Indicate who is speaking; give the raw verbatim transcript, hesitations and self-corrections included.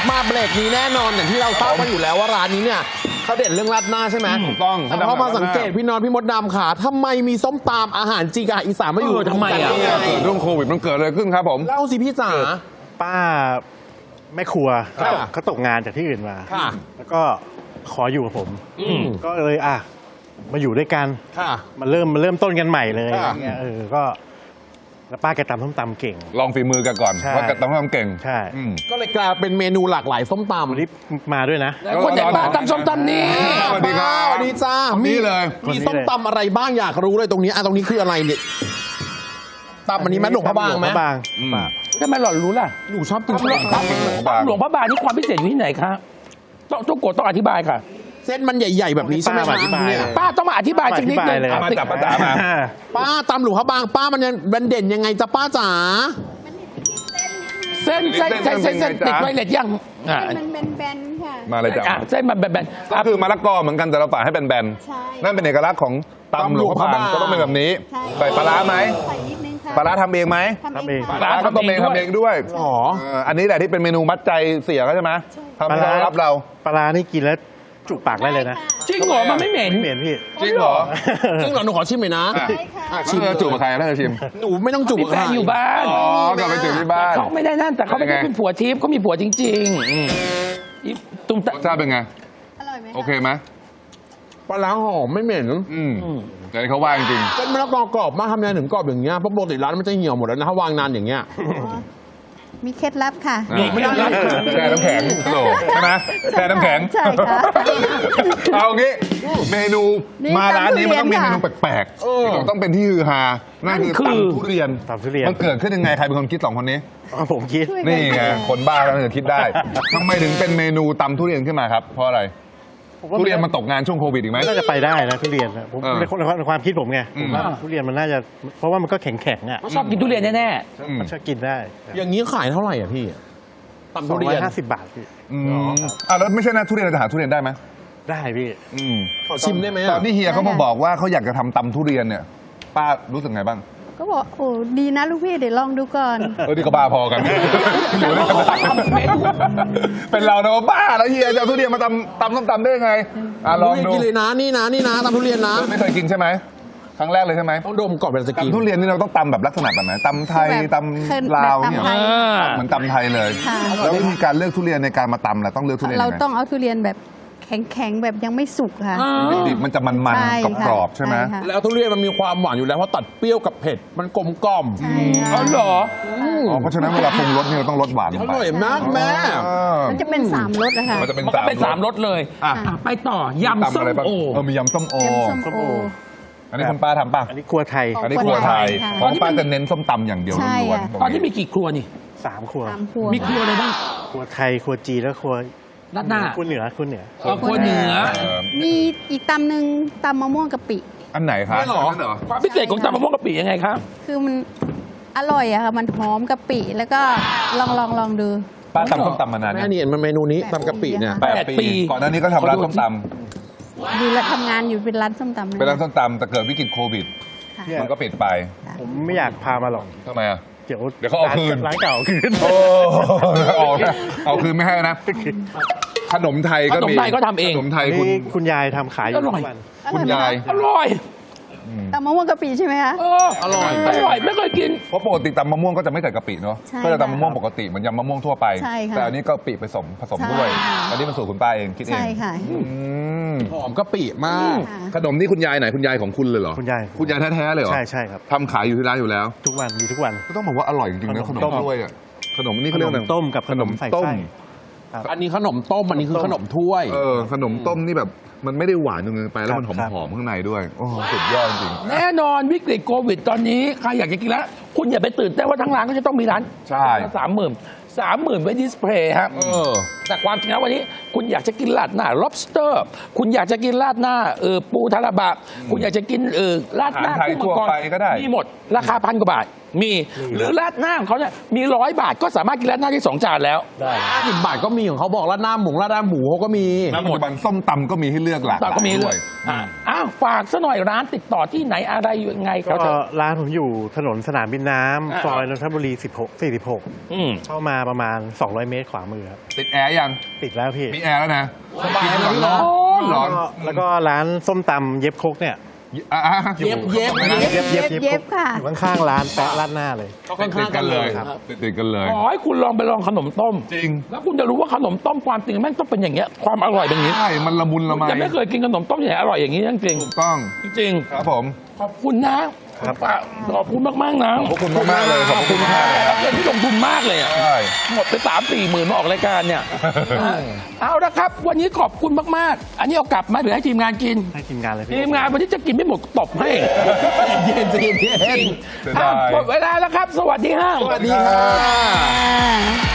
Speaker 1: มาเบรกนี้แน่นอนอย่างที่เราทราบกันอยู่แล้วว่าร้านนี้เนี่ยเขาเด่นเรื่องราดหน้าใช่ไหม
Speaker 2: ถูกต้อง
Speaker 1: แต่พอมาสังเกตพี่นอนพี่มดดำขาทำไมมีส้มตำอาหารจีนกับอีสานมาอยู่
Speaker 3: เออทำไมอ่ะ
Speaker 1: ตรงกันได้
Speaker 2: เกิ
Speaker 1: ไง
Speaker 2: ดเรื่องโควิดมันเกิดอะไรขึ้นครับผม
Speaker 1: เล่าสิพี่จ๋า
Speaker 4: ป้าแม่ครัว
Speaker 1: ค่ะ
Speaker 4: เขาตกเขาตกงานจากที่อื่นมา
Speaker 1: ค่ะ
Speaker 4: แล้วก็ขออยู่กับผม
Speaker 1: อืม
Speaker 4: ก็เลยอ่ะมาอยู่ด้วยกัน
Speaker 1: ค่ะ
Speaker 4: มาเริ่มมาเริ่มต้นกันใหม่เลย
Speaker 1: ค่ะ
Speaker 4: อย่างเงี้ยเออก็แล้วป้าแกตำส้มตำเก่ง
Speaker 2: ลองฝีมือกันก่อน
Speaker 4: ใช่
Speaker 2: ว่าแกต้องทำเก่ง
Speaker 4: ใช่
Speaker 2: อืม
Speaker 1: ก็เลยกลายเป็นเมนูหลากหลายส้มตำ
Speaker 4: วันนี้มาด้วยนะ
Speaker 3: แล้วคนไหนบ้างตำส้มตำนี่
Speaker 2: สวัสดีครับ
Speaker 1: สวัสดีจ้า
Speaker 2: คนนี้เลย
Speaker 1: มีส้มตำอะไรบ้างอยากรู้เลยตรงนี้อ่ะตรงนี้คืออะไรเนี่ยตำอันนี้แม่หลวงพระบางไหม
Speaker 4: หลวพระบาง
Speaker 2: อืม
Speaker 4: ป้า
Speaker 3: ทำไมหล่อนรู้ล่ะ
Speaker 1: หนูชอบกิน
Speaker 3: ตำหลวง
Speaker 1: ส้มตำ
Speaker 3: หลวงพระบางนี่ความพิเศษอยู่ที่ไหนคะต้องต้องกดต้องอธิบายค่ะ
Speaker 1: เส้นมันใหญ่ ๆ แบบนี้ใช่ไหม
Speaker 4: ป้าอธิบาย
Speaker 1: เนี่ย
Speaker 4: เลย
Speaker 3: ป้าต้องมาอธิบายสักนิดนึง
Speaker 4: อธิบายเลย
Speaker 3: อ่ะ
Speaker 2: มาจับประจามา
Speaker 1: ป้าตำหลวงพระบางป้ามันยังมันเด่นยังไงจ๊ะป้าจ๋า
Speaker 3: เส้นเส้นเส้นเส้นเส้นติดไวเลสยังอ่ะ
Speaker 5: มันเป็นแบนๆค่ะ
Speaker 2: มาเลยจ้ะ
Speaker 3: อ่ะเส้นมันแบนๆ
Speaker 2: ก็
Speaker 3: อ่ะ
Speaker 2: คือมะละกอเหมือนกันแต่เราปาดให้แบน
Speaker 5: ใช่
Speaker 2: ๆนั่นเป็นเอกลักษณ์ของตำหลวงพระบางก็ต้องเป็นแบบนี้
Speaker 5: ใช่
Speaker 2: ใส่ปลาร้าไหม
Speaker 5: ใส่นิดนึงค่ะ
Speaker 2: ปลาร้าทำเองไหม
Speaker 5: ทำเอง
Speaker 4: ทำเอง
Speaker 5: ค่ะ
Speaker 2: ปลาร้าก็ต้มเองทำเองด้วย
Speaker 1: อ๋อ
Speaker 2: เอออันนี้แหละที่เป็นเมนูมัดใจเสียเขาใช่ไหมทำให้เขารับเรา
Speaker 4: ปลาร้านี่กินแล้วจุปากได้เลยนะ
Speaker 3: จริงเหรอมันไม่เหม็น
Speaker 4: ไม่เหม็นพี่
Speaker 2: จริงเหรอ
Speaker 1: จริงเหรอหนูขอชิมหน่อยนะ
Speaker 2: อ่ะ
Speaker 5: ใช่ค่ะ
Speaker 1: อ่ะ
Speaker 2: ชิมจูบกับใครถ้าจะชิม
Speaker 1: หนูไม่ต้องจุบ
Speaker 3: มีแฟนอยู่บ้าน
Speaker 2: อ๋อกลับไปถึงที่บ้าน
Speaker 3: เขาไม่ได้นั่นแต่เขาไม่ได้
Speaker 2: เป็นไง
Speaker 3: เป็นผัวทิพย์เขามีผัวจริงๆอืมอีตุ้มตะ
Speaker 2: รสชาติเป็นไง
Speaker 5: อร่อยไหมะ
Speaker 2: โอเคไหม
Speaker 1: ปลาล้างหอมไม่เหม็น
Speaker 2: อืมแต่นี่เขาว่าจริง
Speaker 1: เป็นมะละกอกรอบมากทำยังไงถึงกรอบอย่างเงี้ยเพราะปกติร้านมันจะเหี่ยวหมดแล้วนะถ้าวางนานอย่างเงี้ย
Speaker 5: อ๋อมีเคล็ดลับค่ะ
Speaker 2: ๆนี่ไม่ได้แช่น้ำแข็งโหลใช่ไหมแช่น้ำแข็ง
Speaker 5: ใช่ค่ะ
Speaker 2: เอางี้เมนู
Speaker 5: นี่
Speaker 2: มาร้านนี้มันต้องมีเม
Speaker 5: ตำทุเรียน
Speaker 2: นู
Speaker 5: ค่ะ
Speaker 2: แปลกๆต้องเป็นที่ฮือฮานั่นคือตำทุเรียน
Speaker 4: ตำทุเรียน
Speaker 2: มันเกิดขึ้นยังไงใครเป็นคนคิดสองคนนี้
Speaker 4: อ๋อผมคิด
Speaker 5: ช่วยกั
Speaker 2: นี่ไง
Speaker 5: ค่ะ
Speaker 2: คนบ้าก็จะคิดได้ทำไมถึงเป็นเมนูตำทุเรียนขึ้นมาครับ เพราะอะไร
Speaker 4: ผมว่า
Speaker 2: ทุเรียนมันตกงานช่วงโควิดอีกไหม
Speaker 4: น่าจะไปได้นะทุเรียนนะผม
Speaker 2: เออ
Speaker 4: ในความในความคิดผมไง
Speaker 2: อื
Speaker 4: ผม มว่าทุเรียนมันน่าจะเพราะว่ามันก็แข็งแข็งๆอ่ะ
Speaker 3: เขาชอบกินทุเรียนแน่
Speaker 2: อืม
Speaker 4: มันชอบกินได้
Speaker 1: อย่างนี้ขายเท่าไหร่อ่ะพี่ตำ
Speaker 4: ส
Speaker 1: ทุ
Speaker 4: อง
Speaker 1: เรี
Speaker 4: ร้อย
Speaker 1: ยน
Speaker 4: ห้าสิบบาทพี่
Speaker 2: อืมอ่ะแล้วไม่ใช่นะทุเรียนเราจะหาทุเรียนได้ไหม
Speaker 4: ได้พี่
Speaker 2: อืม
Speaker 1: ขอชิมได้ไหม
Speaker 2: ตอ
Speaker 1: อ่ะ
Speaker 2: นที่เฮียเขามาบอกว่าเขาอยากจะทำตำทุเรียนเนี่ย ป้ารู้สึกไงบ้าง
Speaker 5: ก็บอกโอ้ดีนะลูกพี่เดี๋ยวลองดูก่อน
Speaker 2: เออนี่ก็บ้าพอกันอยู่ด้วยกันได้เป็นเรานะว่าบ้าแล้วเฮียจะเอาทุเรียนมาตำตำส้มตำได้ยังไงอ่ะลองดู
Speaker 1: กินเลยนะนี่นะนี่นะตำทุเรียนนะ
Speaker 2: ไม่เคยกินใช่ไหมครั้งแรกเลยใช่ไหม
Speaker 1: ต้องดมก่อนเป็นจะกิน
Speaker 2: ตำทุเรียนนี่เราต้องตำแบบลักษณะแบบไหนตำไทย
Speaker 5: แบบ
Speaker 2: ตำลาวเนี่ย
Speaker 5: แบบตำไทย
Speaker 2: เหมือนตำไทยเลย
Speaker 5: ค่ะ
Speaker 2: แล้ววิธีการเลือกทุเรียนในการมาตำล่ะต้องเลือกทุเรียน
Speaker 5: เรา
Speaker 2: ยังไง
Speaker 5: ต้องเอาทุเรียนแบบแข็งๆแบบยังไม่สุกค่ะ
Speaker 2: ดิบๆมันจะมัน
Speaker 5: ใช่
Speaker 2: ๆ
Speaker 5: ค่ะ
Speaker 2: กรอบๆใช่ไหม
Speaker 5: ค่ะ
Speaker 1: แล้วทุเรียนมันมีความหวานอยู่แล้วเพราะตัดเปรี้ยวกับเผ็ดมันกลมกล่อม
Speaker 5: ใช่ค่ะ
Speaker 3: อ๋อเหรอ
Speaker 2: อ๋อเพราะฉะนั้นเวลาปรุงรสนี่เราต้องรสหวานล
Speaker 1: อง
Speaker 2: ไป
Speaker 1: ร่อยมากแม่
Speaker 2: อ๋อ
Speaker 5: มันจะเป็นสามรสนะคะ
Speaker 2: มันจะเป็น
Speaker 3: มันก็เป็นสามรสเลย
Speaker 2: อ่ะ
Speaker 3: อ่ะไปต่อยำ
Speaker 2: ตำ
Speaker 3: ส้ม
Speaker 2: อะไรบ้าง
Speaker 3: โอ
Speaker 2: เออมียำส้มโอ
Speaker 5: เค็มส้มโอ
Speaker 2: อันนี้คุณป้าทำป่ะ
Speaker 4: อันนี้ครัวไทย
Speaker 5: ของ
Speaker 2: อันนี้ครัวไทย
Speaker 5: ค่ะ
Speaker 2: ของป้าจะเน้นส้มตำอย่างเดียว
Speaker 5: ใช่
Speaker 2: ล้วน
Speaker 5: ค่ะ
Speaker 2: ๆ
Speaker 3: ตอนนี้มีกี่ครัวนี่
Speaker 4: สามครัว
Speaker 5: สามครัว
Speaker 3: มีครัวอะไรบ้าง
Speaker 4: ครัวไทยครัวจีนแล้วครัว
Speaker 3: รัดหน้า
Speaker 4: ครัวเหนือครัวเหนือ
Speaker 3: เออครัวเหนือ
Speaker 2: เออ
Speaker 5: มีอีกตำหนึ่งตำมะม่วงกะปิ
Speaker 2: อันไหนครับ
Speaker 1: ไม่หรอ
Speaker 2: นเหรอ
Speaker 3: ความพิเศษของตำมะม่วงกะปิยังไงครับ
Speaker 5: คือมันอร่อยอะค่ะ มันหอมกะปิ แล้วก็ลองลองลองดู
Speaker 2: ป้าทำส้มตำมานาน
Speaker 1: แม่
Speaker 2: เนี่ย
Speaker 1: นี่มันเมนูนี้ตำกะปิเนี่ย
Speaker 5: แป
Speaker 3: แปดปี
Speaker 2: ก่อนหน้านี้ก็ทำร้านส้มต
Speaker 5: ดูแลวทำงานอยู่เป็นร้านส้มตำ
Speaker 2: ำเป็นร้านส้มตำแต่เกิดวิกฤตโควิด
Speaker 5: ค่ะ
Speaker 2: มันก็ปิดไป
Speaker 4: ผมไม่อยากพามาหรอก
Speaker 2: ทำไมอ่ะ
Speaker 4: เดี๋ยว
Speaker 2: เดี๋ยวเขาเอาคืน
Speaker 4: ร้านเก่าเอาคืน
Speaker 2: โอ้เอานะเอาคืนไม่ให้นะ ขนมไทยก็มี
Speaker 3: ขนมไทยก็ทำเอง
Speaker 2: ขนมไทย
Speaker 4: อัน
Speaker 2: คุณ
Speaker 4: นี้คุณยายทำขายอยู่
Speaker 3: อร่อย
Speaker 4: ทุกวัน
Speaker 2: คุณยาย
Speaker 3: อร่อย
Speaker 5: ตำมะม่วงกะปิใช่ไหมคะ
Speaker 3: เอออร่อยอร่อยไม่เคยกิน
Speaker 2: เพราะปกติตำมะม่วงก็จะไม่ใส่กะปิเนาะ
Speaker 5: ใช่
Speaker 2: ก็จะตำมะม่วง
Speaker 5: ค่ะ
Speaker 2: ปกติเหมือนยำมะม่วงทั่วไป
Speaker 5: ใช่ค่ะ
Speaker 2: แต่อันนี้ก็ปิผสมผสม
Speaker 5: ใช่
Speaker 2: ด้วย
Speaker 5: ค่ะ
Speaker 2: อันนี้เป็นสูตรคุณป้าเองคิดเอง
Speaker 5: ใช่ค่ะ
Speaker 2: อืม
Speaker 1: หอมกะปิมาก
Speaker 5: ค่ะ
Speaker 2: ขนมนี่คุณยายไหนคุณยายของคุณเลยเหรอ
Speaker 4: คุณยาย
Speaker 2: คุณยายแท้ๆเลยเหรอ
Speaker 4: ใช่ใช่ครับ
Speaker 2: ทำขายอยู่ที่ร้านอยู่แล้ว
Speaker 4: ทุกวันมีทุกวัน
Speaker 2: ก็ต้องบอกว่าอร่อยจริงๆนะข
Speaker 4: ข
Speaker 2: น
Speaker 4: น
Speaker 2: ม
Speaker 4: มต้ม
Speaker 2: ถ้วยอ่ะขนมนี่เขาเรียกอะไร
Speaker 4: ขนมต้มกับขนมใส่ไส้
Speaker 2: ต้ม
Speaker 1: อันนี้ขนมต้มอันนี้คือขนมถ้วย
Speaker 2: เออขนมต้มนี่แบบมันไม่ได้หวานจนเกินไปแล้วมันห
Speaker 4: ครับ
Speaker 2: อมๆข้างในด้วยโอ้โหสุดยอดจริง
Speaker 3: แน่นอนวิกฤตโควิดตอนนี้ใครอยากจะกินแล้ว คุณอย่าไปตื่นเต้นว่าทั้งร้านก็จะต้องมีร้าน
Speaker 2: ใช่
Speaker 3: สามหมื่นสามหมื่นไว้ดิสเพลย์ครับ
Speaker 1: เออ
Speaker 3: แต่ความจริงแล้ววันนี้คุณอยากจะกินราดหน้า lobster คุณอยากจะกินราดหน้าเออปูทาราบะคุณอยากจะกินเออราดหน้า
Speaker 2: อาหารไทย
Speaker 3: กุ้งมังกร
Speaker 2: ทั่วไปก็ได้
Speaker 3: มีหมดราคาพันกว่าบาทมีหรือราดหน้าของเขาเนี่ยมีร้อยบาทก็สามารถกินราดหน้าได้สองจานแล้ว
Speaker 4: ได้
Speaker 1: ห้าสิบบาทก็มีของเขาบอกราดหน้าหมูราดหน้าหมูเขาก็มี
Speaker 2: ๆปัจจุบันส้มตำก็มีให้เลือกหลากห
Speaker 3: ต่อ
Speaker 2: ลาย
Speaker 3: ก็มีเล
Speaker 2: ด้วย ย
Speaker 3: อ่ะอ้าวาวฝากซะหน่อยร้านติดต่อที่ไหนอะไรยังไง
Speaker 4: ก็
Speaker 3: เขาจะ
Speaker 4: ร้านผมอยู่ถนนสนามบินน้
Speaker 3: อ่า
Speaker 4: ำซอยนนทบุรีสิบหก สี่สิบหก
Speaker 3: อืม
Speaker 4: เข้ามาประมาณ สองร้อยเมตรขวามือครับ
Speaker 2: ติดแอร์ยัง
Speaker 4: ติดแล้วพี่
Speaker 2: มีแอร์แล้วนะ
Speaker 1: สบาย
Speaker 2: กิน
Speaker 1: เลย
Speaker 2: ร้อน
Speaker 1: พี่
Speaker 2: ร้อน
Speaker 4: แล้ว
Speaker 2: ร้อน
Speaker 4: ก็แล้วก็ร้านส้มตำเย็บครกเนี่ย
Speaker 2: อ่ะอ่ะ
Speaker 1: เย็บเย็บ
Speaker 5: เย็บเย็บเย็บค่ะ
Speaker 4: อยู่ข้างๆร้านแปะร้านหน้าเลย
Speaker 2: ติดติดกันเลย
Speaker 1: ครับ
Speaker 2: ติดติดกันเลย
Speaker 3: ขอให้คุณลองไปลองขนมต้ม
Speaker 2: จริง
Speaker 3: แล้วคุณจะรู้ว่าขนมต้มความจริงแม่งต้องเป็นอย่างเงี้ยความอร่อยเป็นอย่างนี้
Speaker 2: ใช่มันละมุนละไม
Speaker 3: จะไม่เคยกินขนมต้มอย่างอร่อยอย่างนี้จริง
Speaker 2: ถูกต้อง
Speaker 3: ๆจริง
Speaker 2: ครับผม
Speaker 3: ๆขอบคุณนะครับ ขอบคุณมากๆนะ
Speaker 2: ขอบคุณมากๆเลยขอบคุณมาก
Speaker 3: เงินที่ลงทุนมากเลยอะ
Speaker 2: ใช่
Speaker 3: หมดไปสามสี่หมื่นมาออกรายการเนี่ย เอาละครับ วันนี้ขอบคุณมากๆ อันนี้เอากลับมาหรือให้ทีมงานกิน
Speaker 4: ให้ทีมงานเลยพี่
Speaker 3: ทีมงานวันนี้จะกินไม่หมดตบให้
Speaker 1: เย็นเย็นเย็น
Speaker 2: เสียดาย
Speaker 3: อ่ะหมดเวลาแล้วครับ สวัสดีฮะ
Speaker 1: สวัสดีค่ะ